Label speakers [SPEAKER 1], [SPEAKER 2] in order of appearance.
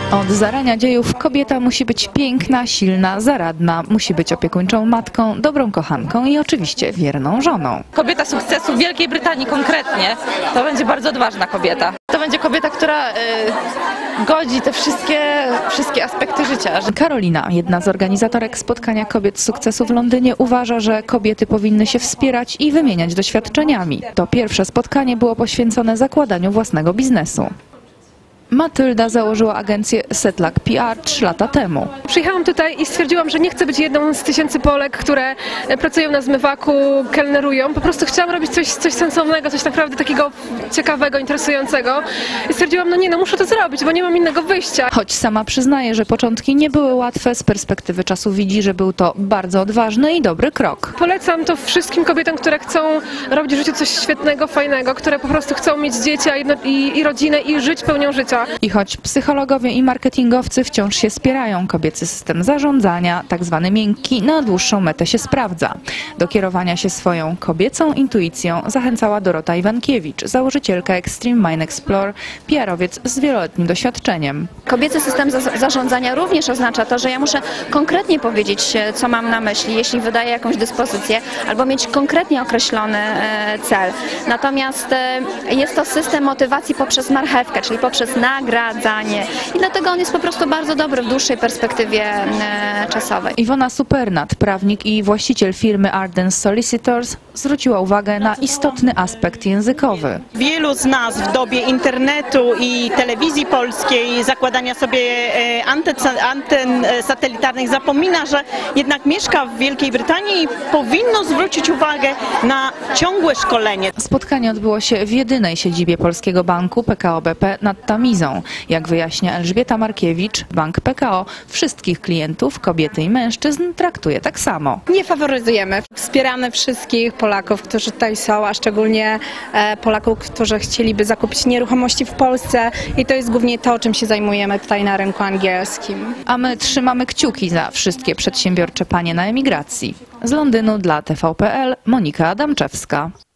[SPEAKER 1] Od zarania dziejów kobieta musi być piękna, silna, zaradna, musi być opiekuńczą matką, dobrą kochanką i oczywiście wierną żoną.
[SPEAKER 2] Kobieta sukcesu w Wielkiej Brytanii konkretnie to będzie bardzo odważna kobieta. To będzie kobieta, która godzi te wszystkie aspekty życia.
[SPEAKER 1] Karolina, jedna z organizatorek spotkania kobiet sukcesu w Londynie, uważa, że kobiety powinny się wspierać i wymieniać doświadczeniami. To pierwsze spotkanie było poświęcone zakładaniu własnego biznesu. Matylda założyła agencję Setluck PR 3 lata temu.
[SPEAKER 3] Przyjechałam tutaj i stwierdziłam, że nie chcę być jedną z tysięcy Polek, które pracują na zmywaku, kelnerują. Po prostu chciałam robić coś sensownego, coś naprawdę takiego ciekawego, interesującego. I stwierdziłam, muszę to zrobić, bo nie mam innego wyjścia.
[SPEAKER 1] Choć sama przyznaje, że początki nie były łatwe, z perspektywy czasu widzi, że był to bardzo odważny i dobry krok.
[SPEAKER 3] Polecam to wszystkim kobietom, które chcą robić w życiu coś świetnego, fajnego, które po prostu chcą mieć dzieci i rodzinę i żyć pełnią życia.
[SPEAKER 1] I choć psychologowie i marketingowcy wciąż się spierają, kobiecy system zarządzania, tak zwany miękki, na dłuższą metę się sprawdza. Do kierowania się swoją kobiecą intuicją zachęcała Dorota Iwankiewicz, założycielka Extreme Mind Explore, PR-owiec z wieloletnim doświadczeniem.
[SPEAKER 4] Kobiecy system zarządzania również oznacza to, że ja muszę konkretnie powiedzieć, co mam na myśli, jeśli wydaję jakąś dyspozycję, albo mieć konkretnie określony cel. Natomiast jest to system motywacji poprzez marchewkę, czyli poprzez nagradzanie. I dlatego on jest po prostu bardzo dobry w dłuższej perspektywie czasowej.
[SPEAKER 1] Iwona Supernat, prawnik i właściciel firmy Arden Solicitors, zwróciła uwagę na istotny aspekt językowy.
[SPEAKER 5] Wielu z nas w dobie internetu i telewizji polskiej, zakładania sobie anten satelitarnych zapomina, że jednak mieszka w Wielkiej Brytanii i powinno zwrócić uwagę na ciągłe szkolenie.
[SPEAKER 1] Spotkanie odbyło się w jedynej siedzibie Polskiego Banku PKO BP nad Tamizą. Jak wyjaśnia Elżbieta Markiewicz, Bank PKO wszystkich klientów, kobiety i mężczyzn, traktuje tak samo.
[SPEAKER 6] Nie faworyzujemy. Wspieramy wszystkich Polaków, którzy tutaj są, a szczególnie Polaków, którzy chcieliby zakupić nieruchomości w Polsce i to jest głównie to, czym się zajmujemy tutaj na rynku angielskim.
[SPEAKER 1] A my trzymamy kciuki za wszystkie przedsiębiorcze panie na emigracji. Z Londynu dla TVP.pl Monika Adamczewska.